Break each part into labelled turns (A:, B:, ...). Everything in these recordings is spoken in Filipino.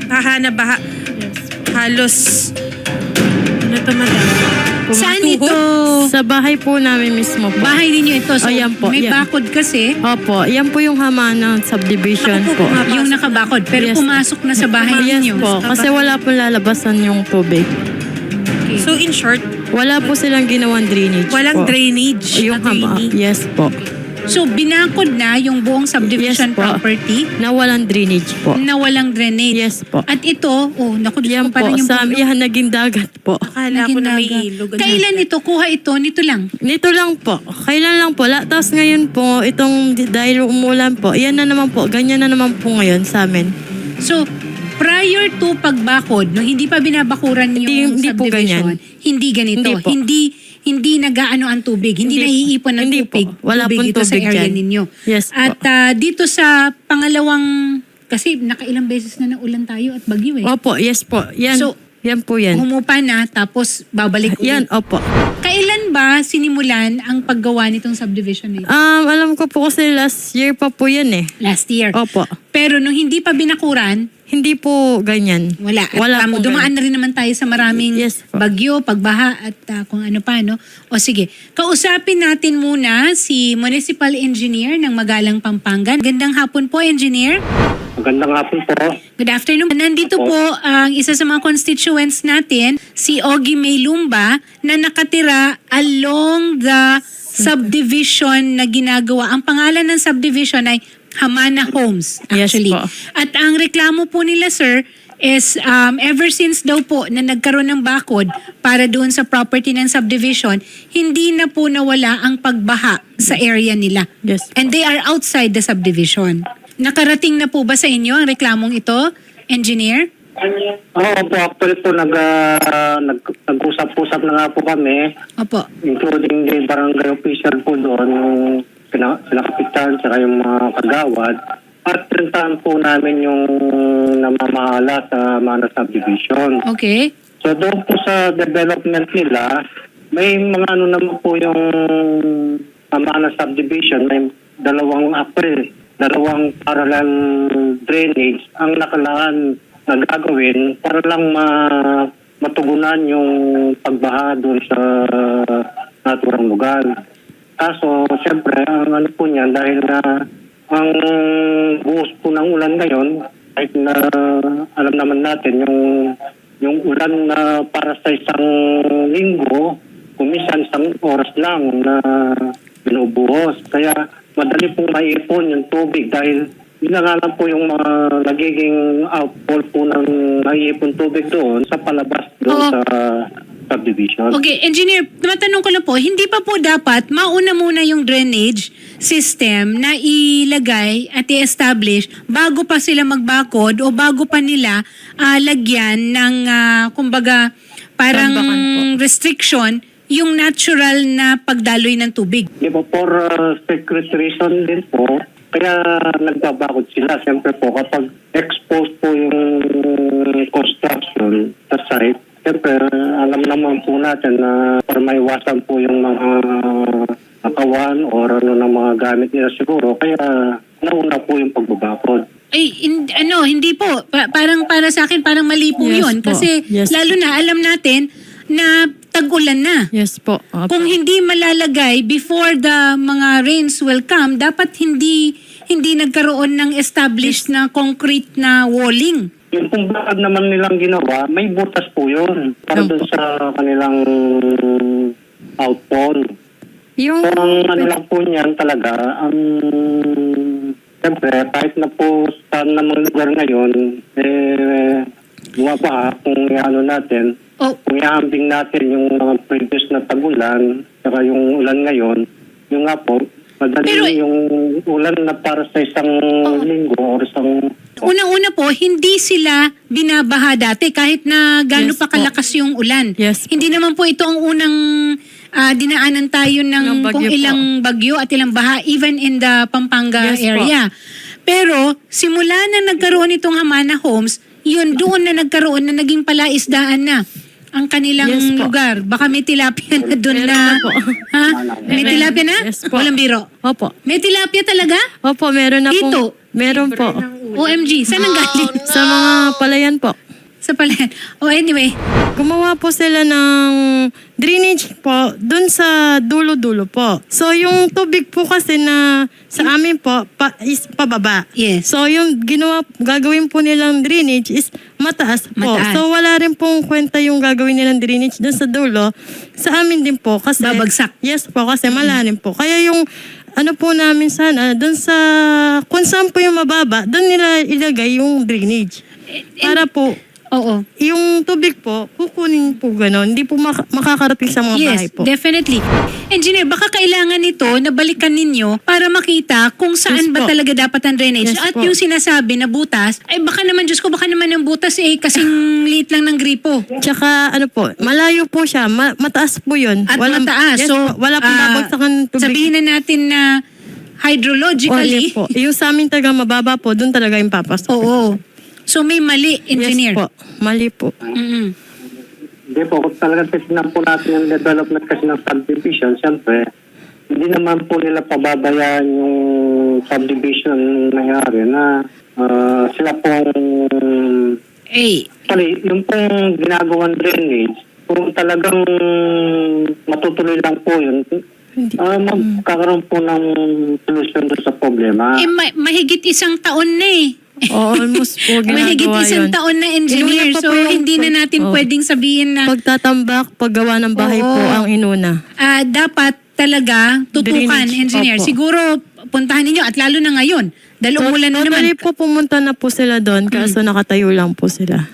A: Hahana baha.
B: Yes.
A: Halos, ano to madam?
C: Saan ito?
B: Sa bahay po namin mismo po.
C: Bahay ninyo ito. So,
B: Ayan po,
C: may
B: yan.
C: bakod kasi.
B: Opo, yan po yung Hamana subdivision po.
C: Yung nakabakod. Pero
B: Yes.
C: pumasok na sa bahay
B: Yes
C: ninyo.
B: po, kasi wala po lalabasan yung tubig.
C: Okay.
A: So in short,
B: Wala po silang ginawang drainage
A: walang
B: po.
A: drainage
B: Yung
A: na drainage.
B: Yes po.
C: So, binakod na yung buong subdivision
B: Yes po.
C: property
B: Na walang drainage po.
C: na walang drainage.
B: Yes po.
C: At ito, naku, Diyos
B: Yan
C: ko, parang
B: po,
C: yung
B: sa yan naging dagat po.
A: Akala ko na may
C: Naging
A: ilog.
C: dagat. Kailan ito? Kuha ito? Nito lang.
B: Nito lang po. Kailan lang po. Tapos ngayon po, itong dahil umulan po, yan na naman po. Ganyan na naman po ngayon sa amin.
C: So, prior to pagbakod, nung hindi pa binabakuran yung
B: Hindi po
C: subdivision, hindi ganito.
B: Hindi po.
C: Hindi nagaano ang tubig. Hindi naiipon ng
B: Hindi po.
C: tubig.
B: Wala
C: tubig
B: pong
C: dito sa
B: tubig
C: area
B: dyan.
C: ninyo.
B: Yes po.
C: At dito sa pangalawang, kasi nakailang beses na naulan tayo at bagyo eh.
B: Opo, yes po. Yan,
C: So,
B: yan po yan.
C: Humupa na, tapos babalik ulit.
B: Yan, opo.
C: Kailan ba sinimulan ang paggawa nitong subdivision na ito?
B: Alam ko po kasi last year pa po yan eh.
C: Last year.
B: Opo.
C: Pero nung hindi pa binakuran,
B: Hindi po ganyan.
C: wala. At,
B: Wala po
C: dumaan na rin naman tayo sa maraming
B: Yes po.
C: bagyo, pagbaha at kung ano pa, no? O sige, kausapin natin muna si Municipal Engineer ng Magalang, Pampanga. Gandang hapon po, Engineer.
D: Magandang hapon po.
C: Good afternoon. Nandito po ang isa sa mga constituents natin, si Ogie May Lumba, na nakatira along the subdivision na ginagawa. Ang pangalan ng subdivision ay Hamana Homes,
B: Yes
C: actually.
B: po.
C: At ang reklamo po nila, sir, is ever since daw po na nagkaroon ng bakod para doon sa property ng subdivision, hindi na po nawala ang pagbaha sa area nila.
B: Yes po.
C: And they are outside the subdivision. Nakarating na po ba sa inyo ang reklamong ito, engineer?
D: Oo po, actually po nag-usap-usap na nga po kami,
C: Opo.
D: including the barangay official po doon, yung sila kapitan, saka yung mga kagawad. At pinuntahan po namin yung namamahala sa Mana Subdivision.
C: Okay.
D: So doon po sa development nila, may mga ano naman po yung Mana Subdivision, may dalawang dalawang parallel drainage ang nakalaan na gagawin para lang matugunan yung pagbaha doon sa naturang lugar. Kaso, siyempre, ang ano po niyan, dahil na ang buhos po ng ulan ngayon, kahit na alam naman natin, yung ulan na para sa isang linggo, kumisan isang oras lang na binubuhos. Kaya madali pong maipon yung tubig dahil yun na nga lang po yung mga nagiging outfall po ng naiipon tubig doon sa palabas doon
C: Oo.
D: sa subdivision.
C: Okay, engineer, matanong ko lang po, hindi pa po dapat mauna muna yung drainage system na ilagay at i-establish bago pa sila magbakod o bago pa nila lagyan ng, kumbaga, parang
B: Tambakan po.
C: restriction yung natural na pagdaloy ng tubig.
D: Di ba, for secret reason din po, kaya nagbabakod sila. Siyempre po, kapag exposed po yung construction sa site, siyempre, alam naman po natin na para maiwasan po yung mga akawan o ano ng mga gamit nila siguro. Kaya nauna po yung pagbabakod.
C: Ay, hindi po. Parang para sa akin, parang mali po
B: Yes
C: yun.
B: po.
C: Kasi
B: Yes
C: lalo na, alam natin na tag-ulan na.
B: Yes po. Opo.
C: Kung hindi malalagay before the mga rains will come, dapat hindi nagkaroon ng established na concrete na walling.
D: Yung kung bakit naman nilang ginawa, may butas po yun para
B: Opo.
D: doon sa kanilang outfall.
B: Yung,
D: So, ang ano lang po niyan talaga, siyempre, kahit na po sa namang lugar ngayon, bumabaha kung ano natin,
C: Oh,
D: kung iambing natin yung mga previous na tagulan, saka yung ulan ngayon, yung nga po, madali
C: Pero-
D: yung ulan na para sa isang linggo or isang...
C: unang-una po, hindi sila binabaha dati kahit na gaano
B: Yes
C: pa kalakas yung ulan.
B: Yes po.
C: Hindi naman po ito ang unang dinaanan tayo ng
B: Ng bagyo
C: kung
B: po.
C: ilang bagyo at ilang baha even in the Pampanga
B: Yes po.
C: area. Pero simula na nagkaroon itong Hamana Homes, yun doon na nagkaroon na naging palaisdaan na ang kanilang
B: Yes po.
C: lugar. Baka may tilapia na doon
B: Meron
C: na.
B: na po.
C: Ha? May
B: Meron.
C: tilapia na?
B: Yes po.
C: Walang biro.
B: Opo.
C: May tilapia talaga?
B: Opo, meron na
C: Dito?
B: po. Meron po.
C: OMG, saan ang galing?
B: Sa mga palayan po.
C: Sa palayan. Oh, anyway.
B: Gumawa po sila ng drainage po dun sa dulo-dulo po. So yung tubig po kasi na sa amin po is pababa.
C: Yes.
B: So yung gagawin po nilang drainage is mataas po.
C: Mataas.
B: So wala rin pong kwenta yung gagawin nilang drainage dun sa dulo. Sa amin din po kasi
C: Babagsak.
B: Yes po kasi malalim po. Kaya yung ano po namin sana dun sa kung saan po yung mababa, dun nila ilagay yung drainage. Para po
C: Oo.
B: yung tubig po, kukunin po gano'n. Hindi po makakarating sa mga bahay
C: Yes,
B: po.
C: definitely. Engineer, baka kailangan nito na balikan ninyo para makita kung saan
B: Yes
C: ba
B: po.
C: talaga dapat ang drainage.
B: Yes
C: At
B: po.
C: yung sinasabi na butas, ay baka naman, Diyos ko, baka naman ang butas kasing liit lang ng gripo.
B: Tsaka ano po, malayo po siya. Mataas po yun.
C: At mataas.
B: Yes,
C: So,
B: po, wala pong babagsakan tubig.
C: sabihin na natin na hydrologically,
B: Yes po. Yung sa amin talaga mababa po, doon talaga yung papasok.
C: oo. So may mali, engineer.
B: Yes po. Mali po.
C: Mm-mm.
D: Hindi po, kung talagang titignan po natin yung development kasi ng subdivision, siyempre, hindi naman po nila pababayaan yung subdivision nangyari na sila pong yung pong ginagawang drainage, kung talagang matutuloy lang po yun, magkakaroon po ng solusyon doon sa problema.
C: Mahigit isang taon na
B: Oo, almost po
C: Mahigit
B: ginagawa
C: isang
B: yun.
C: taon na engineer.
B: Inuna pa
C: So,
B: po yung-
C: hindi na natin
B: Oo.
C: pwedeng sabihin na
B: Pagtatambak, paggawa ng bahay
C: Oo.
B: po ang inuna.
C: dapat talaga tutukan,
B: Drainage,
C: engineer.
B: opo.
C: Siguro, puntahan ninyo at lalo na ngayon. Dahil umulan na naman.
B: Totally po pumunta na po sila doon kaso nakatayo lang po sila.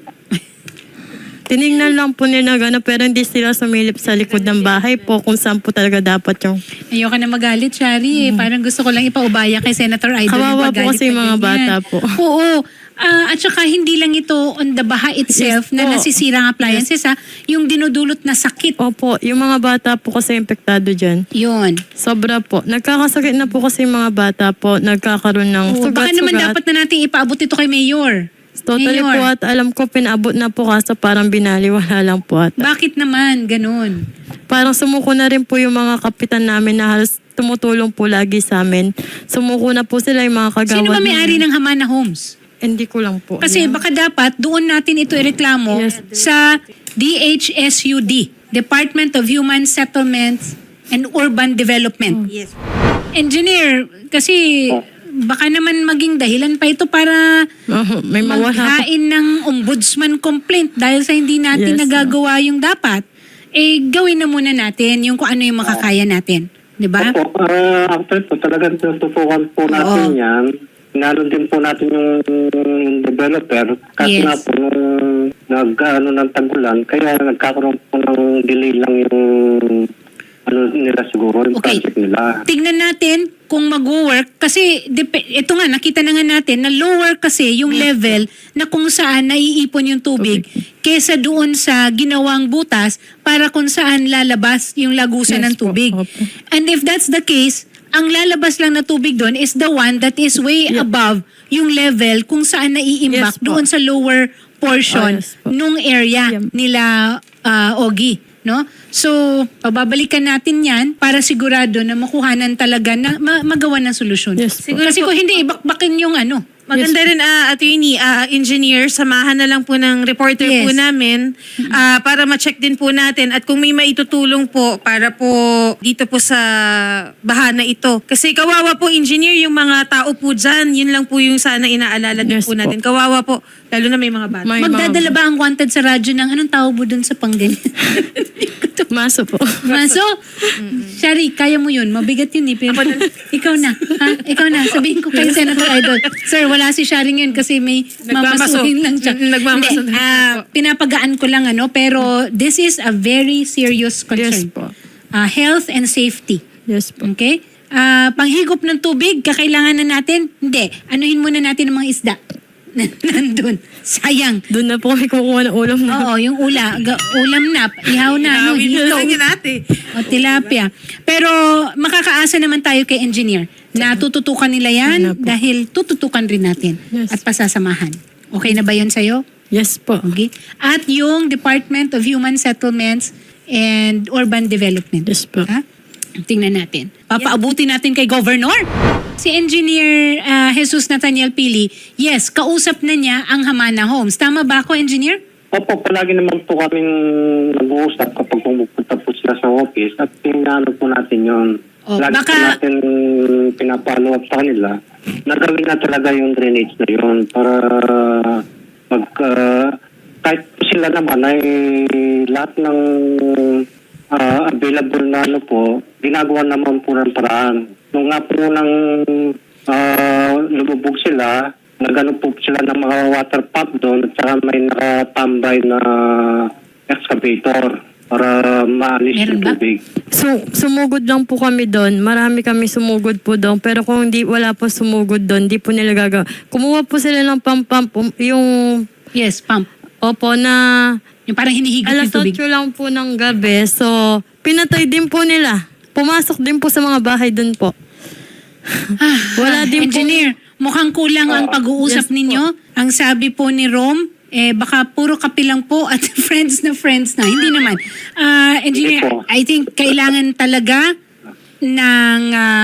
B: Tinignan lang po nila gano'n pero hindi sila sumilip sa likod ng bahay po kung saan po talaga dapat yung...
C: Ayoko na magalit, Shari. Parang gusto ko lang ipaubaya kay Senator Idol.
B: Kawawa po
C: Magalit
B: kasi yung
C: na
B: mga
C: ganyan.
B: bata po.
C: Oo. At saka hindi lang ito on the baha itself
B: Yes
C: na
B: po.
C: nasisirang appliances, yung dinudulot na sakit.
B: Opo, yung mga bata po kasi impektado dyan.
C: Yun.
B: Sobra po. Nagkakasakit na po kasi yung mga bata po. Nagkakaroon ng
C: Oo, baka naman
B: sugat-sugat.
C: dapat na natin ipaabot ito kay Mayor.
B: Totally
C: Mayor.
B: po at alam ko pinaabot na po kaso parang binaliwala lang po at
C: Bakit naman? Ganun.
B: parang sumuko na rin po yung mga kapitan namin na halos tumutulong po lagi sa amin. Sumuko na po sila yung mga kagawad.
C: Sino ba may-ari
B: namin.
C: ng Hamana Homes?
B: Hindi ko lang po.
C: Kasi
B: alam.
C: baka dapat doon natin ito ireklamo
B: Yes.
C: sa DHSUD, Department of Human Settlements and Urban Development.
A: Yes.
C: Engineer, kasi baka naman maging dahilan pa ito para
B: May mawala po.
C: maghain ng ombudsman complaint dahil sa hindi natin
B: Yes,
C: nagagawa yung dapat. Gawin na muna natin yung kung ano yung makakaya natin. Di ba?
D: Opo, actually po, talagang tututukan po natin yan. Inano din po natin yung developer. Kasi
C: Yes.
D: nga po, nung ng tagulan, kaya nagkakaroon po ng delay lang yung nila siguro, yung
C: Okay.
D: project nila.
C: Tignan natin kung mag-work kasi ito nga nakita na nga natin na lower kasi yung level na kung saan naiipon yung tubig kesa doon sa ginawang butas para kung saan lalabas yung lagusan
B: Yes
C: ng
B: po,
C: tubig.
B: opo.
C: And if that's the case, ang lalabas lang na tubig doon is the one that is way above yung level kung saan naiimbak
B: Yes po.
C: doon sa lower portion
B: Yes po.
C: nung area
B: Yeah.
C: nila Ogie, no? So, pababalikan natin 'yan para sigurado na makuhanan talaga na magawa ng solusyon.
B: Yes po.
C: Kasi kung hindi ibakbakin yung
A: Maganda rin, attorney, engineer, samahan na lang po ng reporter
C: Yes.
A: po namin para ma-check din po natin at kung may maitutulong po para po dito po sa bahana ito. Kasi kawawa po, engineer, yung mga tao po dyan, yun lang po yung sana inaalala din
B: Yes
A: po
B: po.
A: natin. Kawawa po, lalo na may mga bata.
B: May
C: Magdadala ba ang wanted sa radyo ng anong tawag mo dun sa pangganyan?
B: Maso po.
C: Maso? Shari, kaya mo yun. Mabigat yun eh. Pero ikaw na. Ha? Ikaw na. Sabihin ko kay Senator Idol. Sir, wala si Shari ngayon kasi may
A: Nagmamaso.
C: mamasuhin lang siya.
A: Nagmamaso
C: Hindi,
A: na po.
C: pinapagaan ko lang pero this is a very serious concern.
B: Yes po.
C: Health and safety.
B: Yes po.
C: Okay? Panghigop ng tubig, kakailangan na natin? Hindi. Anuhin muna natin ang mga isda. Nandun. Sayang.
B: Doon na po kami kumukuha ng ulam na.
C: Oo, yung ulam na, ihaw na,
A: Inawin na
C: hito.
A: lang yun ate.
C: O tilapia. Pero makakaasa naman tayo kay engineer na tututukan nila yan
B: Ano po?
C: dahil tututukan rin natin
B: Yes.
C: at pasasamahan. Okay na ba yun sa'yo?
B: Yes po.
C: Okay. At yung Department of Human Settlements and Urban Development.
B: Yes po.
C: Ha? Tingnan natin. Papaabuti natin kay Governor. Si Engineer Jesus Nathaniel Pili, yes, kausap na niya ang Hamana Homes. Tama ba ako, Engineer?
D: Opo, palagi naman po kaming nag-uusap kapag pumupunta po sila sa office at pinano po natin yun.
C: Oh,
D: Lagi po
C: baka-
D: natin pinapalo up sa kanila na gawin na talaga yung drainage na yun para kahit po sila naman ay lahat ng available na ano po, ginagawa naman po ng paraan. Nung nga po nang lumubog sila, nagano po sila ng mga water pump doon at saka may nakatambay na excavator para maalis
C: Meron
D: yung
C: ba?
D: tubig.
B: So, sumugod lang po kami doon. Marami kami sumugod po doon. Pero kung wala po sumugod doon, di po nila gagawa. Kumuha po sila ng pump, yung
C: Yes, pump.
B: opo na
C: Yung parang hinihigop yung
B: alas
C: tubig.
B: 8 lang po ng gabi. So, pinatay din po nila. Pumasok din po sa mga bahay doon po. Wala din po.
C: Engineer, mukhang kulang ang pag-uusap
B: yes po.
C: ninyo. Ang sabi po ni Rom, baka puro kape lang po at friends na. Hindi naman. Engineer,
D: Hindi po.
C: I think kailangan talaga ng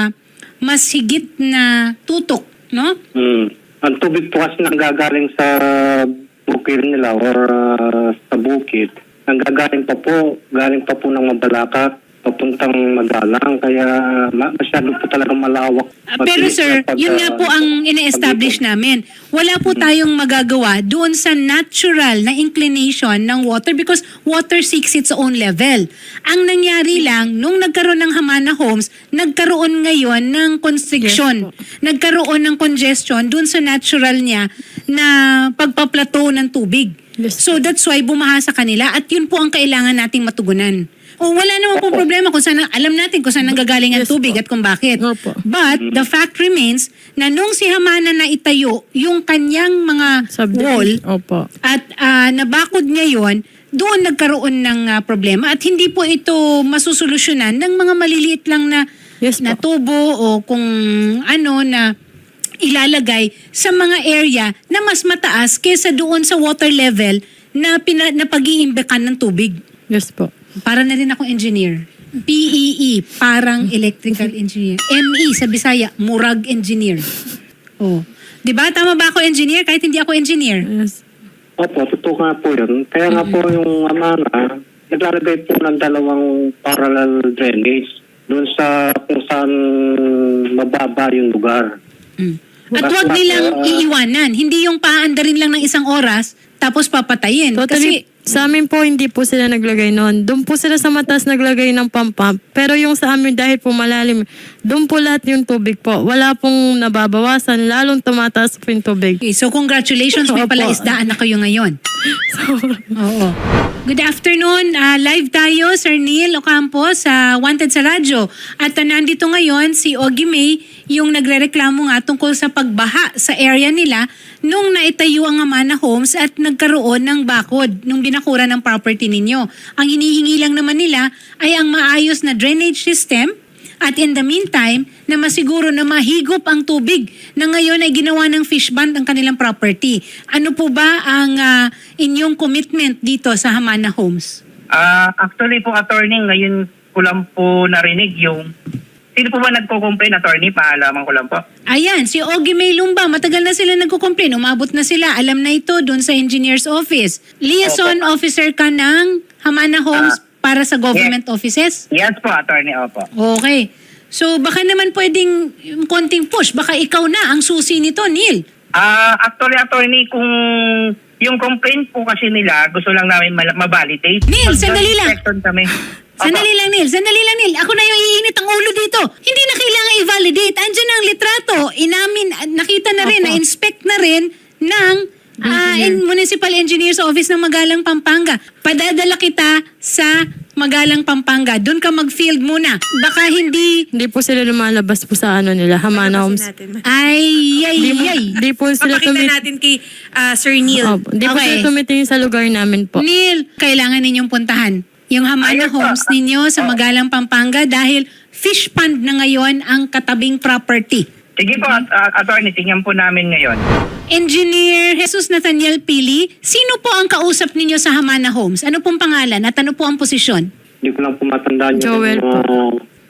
C: mas higit na tutok, no?
D: Ang tubig po kasi nanggagaling sa bukid nila or sa bukid, galing pa po ng Mabalacat papuntang Magalang, kaya masyado po talaga malawak.
C: Pero sir, yun nga po ang ine-establish namin. Wala po tayong magagawa doon sa natural na inclination ng water because water seeks its own level. Ang nangyari lang, nung nagkaroon ng Hamana Homes, nagkaroon ngayon ng constriction. Nagkaroon ng congestion doon sa natural niya na pagpaplateau ng tubig.
B: Yes.
C: So that's why bumaha sa kanila at yun po ang kailangan nating matugunan. O wala naman pong problema kung saan, alam natin kung saan nanggagaling ang
B: Yes
C: tubig
B: po.
C: at kung bakit.
B: Opo.
C: But the fact remains na nung si Hamana na itayo yung kanyang mga wall
B: Opo.
C: at nabakod niya yon, doon nagkaroon ng problema at hindi po ito masusolusyonan ng mga maliliit lang na,
B: Yes
C: na
B: po.
C: tubo o kung ano na ilalagay sa mga area na mas mataas kesa doon sa water level na, na pag-iimbekan ng tubig.
B: Yes po.
C: Para na rin ako engineer. PEE, parang electrical engineer. ME sa Bisaya, murag engineer. Oh. 'Di ba tama ba ako engineer kahit hindi ako engineer?
B: Yes.
D: Opo, totoo nga po yun. Kaya nga po yung Hamana, naglalagay po ng dalawang parallel drainage doon sa kung saan mababa yung lugar.
C: At wag nilang iiwanan, hindi yung paandarin lang ng isang oras tapos papatayin.
B: Totally, sa amin po, hindi po sila naglagay noon. Doon po sila sa mataas naglagay ng pump. Pero yung sa amin, dahil po malalim, doon po lahat yung tubig po. Wala pong nababawasan, lalong tumataas po yung tubig.
C: Okay, so congratulations, may
B: Opo.
C: palaisdaan na kayo ngayon. Oo. Good afternoon. Live tayo, Sir Neil Ocampo sa Wanted sa Radyo. At nandito ngayon si Ogie May, yung nagrereklamo nga tungkol sa pagbaha sa area nila nung naitayo ang Hamana Homes at nagkaroon ng bakod nung binakura ng property ninyo. Ang hinihingi lang naman nila ay ang maayos na drainage system at in the meantime, na masiguro na mahigop ang tubig na ngayon ay ginawa ng fish band ang kanilang property. Ano po ba ang inyong commitment dito sa Hamana Homes?
E: Actually po, attorney, ngayon ko lang po narinig yung... Sino po ba nagko-complain, attorney? Paalaman ko lang po.
C: Ayan, si Ogie May Lumba, matagal na sila nagko-complain. Umabot na sila. Alam na ito doon sa engineer's office. Liaison officer ka ng Hamana Homes para sa government offices?
E: Yes po, attorney, opo.
C: Okay. So baka naman pwedeng yung konting push. Baka ikaw na ang susi nito, Neil.
E: Actually, attorney, kung yung complaint po kasi nila, gusto lang namin ma-validate.
C: Neil, sandali lang.
E: Mag-inspection kami.
C: Sandali lang, Neil. Ako na yung iinit ang ulo dito. Hindi na kailangan i-validate. Andiyan ang litrato. Inamin, nakita na rin, na-inspect na rin ng Municipal Engineer's Office ng Magalang, Pampanga. Padadala kita sa Magalang, Pampanga. Doon ka mag-field muna. Baka hindi...
B: Hindi po sila lumalabas po sa ano nila, Hamana Homes.
C: Ay.
B: Hindi po sila
A: Papakita natin kay Sir Neil.
B: Opo, hindi po
C: Okay.
B: sila tumitingin sa lugar namin po.
C: Neil, kailangan ninyong puntahan yung Hamana
E: Ayun po.
C: Homes ninyo sa Magalang, Pampanga dahil fish pond na ngayon ang katabing property.
E: Sige po, attorney, tingnan po namin ngayon.
C: Engineer Jesus Nathaniel Pili, sino po ang kausap ninyo sa Hamana Homes? Ano pong pangalan at ano po ang posisyon?
D: Hindi ko lang po matandaan
B: Joel
D: yung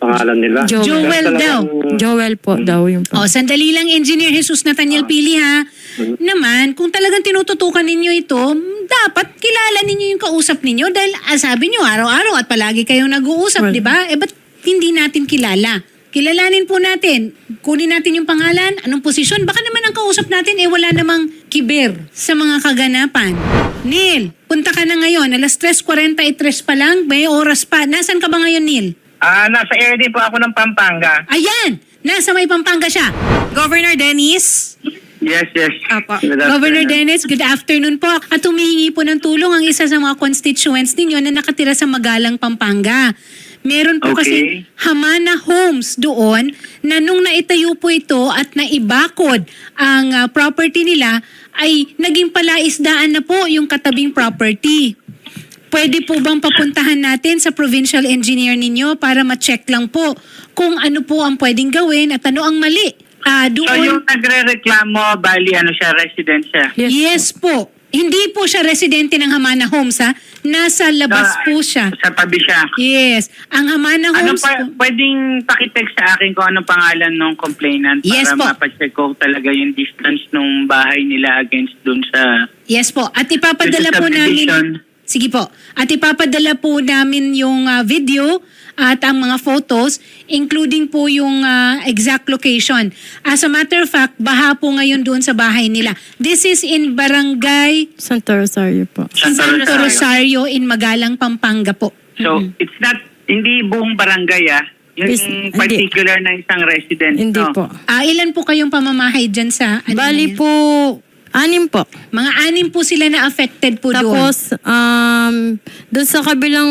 D: pangalan nila.
B: Joel
D: Pero talagang-
C: daw.
B: Joel po daw yung
C: O, sandali lang, Engineer Jesus Nathaniel Pili, ha? Naman, kung talagang tinututukan ninyo ito, dapat kilala ninyo yung kausap ninyo dahil sabi nyo, araw-araw at palagi kayong nag-uusap,
B: Well,
C: di ba? Ba't hindi natin kilala? Kilalanin po natin. Kunin natin yung pangalan, anong posisyon. Baka naman ang kausap natin, wala namang kiber sa mga kaganapan. Neil, punta ka na ngayon. Alas 3:43 pa lang, may oras pa. Nasaan ka ba ngayon, Neil?
E: Nasa area po ako ng Pampanga.
C: Ayan! Nasa may Pampanga siya.
A: Governor Dennis?
E: Yes.
A: Apo.
E: Good
C: Governor
E: afternoon.
C: Dennis, good afternoon po. At humihingi po ng tulong ang isa sa mga constituents ninyo na nakatira sa Magalang, Pampanga. Meron po
E: Okay.
C: kasi Hamana Homes doon na nung naitayo po ito at naibakod ang property nila ay naging palaisdaan na po yung katabing property. Pwede po bang papuntahan natin sa provincial engineer ninyo para ma-check lang po kung ano po ang pwedeng gawin at ano ang mali?
E: So yung nagre-reklamo, bali siya, resident siya.
C: Yes po. Hindi po siya residente ng Hamana Homes, ha? Nasa labas po siya.
E: Sa tabi siya.
C: Yes. Ang Hamana
E: Ano
C: Homes
E: pa,
C: po.
E: pwedeng pakitext sa akin kung anong pangalan ng complainant
C: Yes po.
E: para mapacheck ko talaga yung distance ng bahay nila against dun sa
C: Yes po. At ipapadala
E: This is
C: po namin.
E: subdivision.
C: Sige po. At ipapadala po namin yung video at ang mga photos, including po yung exact location. As a matter of fact, baha po ngayon doon sa bahay nila. This is in Barangay
B: Santa Rosario po.
E: Santa
C: Santo
E: Rosario.
C: Rosario in Magalang, Pampanga po.
E: So, it's not, hindi buong barangay Yung
B: Hindi.
E: particular na isang resident.
B: Hindi
E: no?
B: po.
C: Ilan po kayong pamamahay dyan sa...
B: Bali po, 6 po.
C: Mga 6 po sila na affected po doon.
B: Tapos, doon sa kabilang,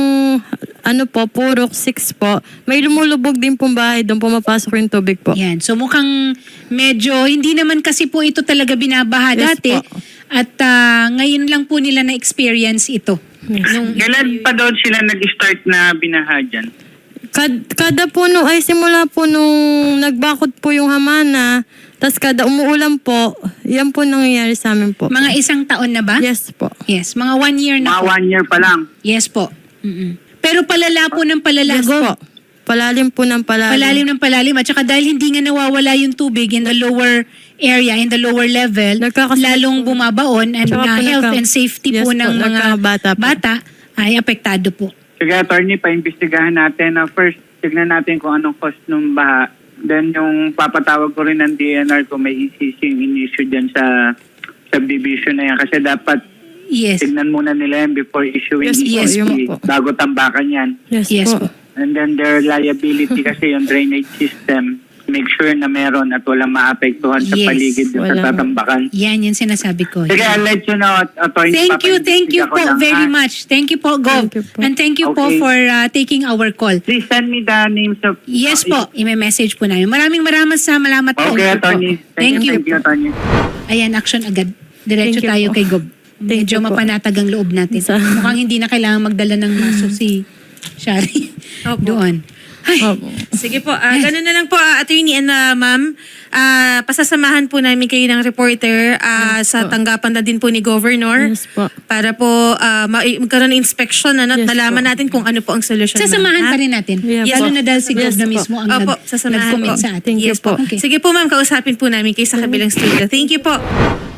B: Purok 6 po, may lumulubog din pong bahay, doon pumapasok yung tubig po.
C: Yan. So mukhang medyo, hindi naman kasi po ito talaga binabaha
B: Yes
C: dati.
B: po.
C: At ngayon lang po nila na-experience ito. Nung,
E: Kailan pa doon sila nag-start na binaha dyan?
B: Kada puno ay simula po nung nagbakod po yung hamana, tas kada umuulan po, yan po nangyayari sa amin po.
C: mga 1 taon na ba?
B: Yes po.
C: Yes. Mga 1 year na
E: Mga
C: po.
E: 1 year pa lang.
C: Yes po. Pero palala po ng palala.
B: Yes po. Palalim po ng palalim.
C: Palalim ng palalim. At saka dahil hindi nga nawawala yung tubig in the lower area, in the lower level,
B: Nagkakasakit
C: lalong bumabaon and
B: Tsaka po
C: health and safety
B: Yes
C: po
B: po,
C: ng mga
B: nagkakabata po.
C: bata ay apektado po.
E: Sige, attorney, paimbestigahan natin. First, tignan natin kung anong cause ng baha. Then, yung papatawag ko rin ng DNR kung may ECC yung in-issue dyan sa subdivision na yan. Kasi dapat
C: Yes.
E: tignan muna nila yan before issuing
B: Yes po,
E: ECC
B: yun po.
E: bago tambakan yan.
B: Yes,
C: Yes
B: po.
C: po.
E: And then their liability kasi yung drainage system, make sure na meron at walang maapektuhan sa
C: Yes.
E: paligid dun sa
B: Walang-
E: tatambakan.
C: Yan yung sinasabi ko.
E: Sige, I'll let you know, attorney.
C: Thank you
E: Papaimbestiga ko
C: po
E: lang,
C: very
E: ha?
C: much. Thank you po, Gov.
B: Thank you po.
C: And thank you po
E: Okay.
C: for taking our call.
E: Please send me the names of...
C: Yes po, i-message po namin. Maraming salamat po.
E: Okay, attorney.
C: Thank you.
E: Thank you, attorney.
C: Ayan, action agad. Diretso
B: Thank you
C: tayo
B: po.
C: kay Gov.
B: Thank
C: Medyo
B: you po.
C: mapanatag ang loob natin.
B: Sa-
C: Mukhang hindi na kailangan magdala ng maso si Shari
A: Opo.
C: doon. Ay,
B: Opo.
A: Sige po, ganun na lang po, attorney and ma'am. Pasasamahan po namin kayo ng reporter sa tanggapan na din po ni Governor.
B: Yes po.
A: Para po magkaroon ng inspection at
B: Yes
A: malaman
B: po.
A: natin kung ano po ang solusyon.
C: sasamahan
A: ma'am,
C: pa
A: ha?
C: rin natin.
B: Yeah,
C: Lalo
B: po.
C: na dahil si Gov
B: Yes
C: na
B: po.
C: mismo ang
A: Opo, sasamahan
C: nag-comment
A: po.
C: sa atin.
B: Thank you
A: Yes po.
B: po.
C: Okay.
A: Sige po ma'am, kausapin po namin kayo sa kabilang studio. Thank you po.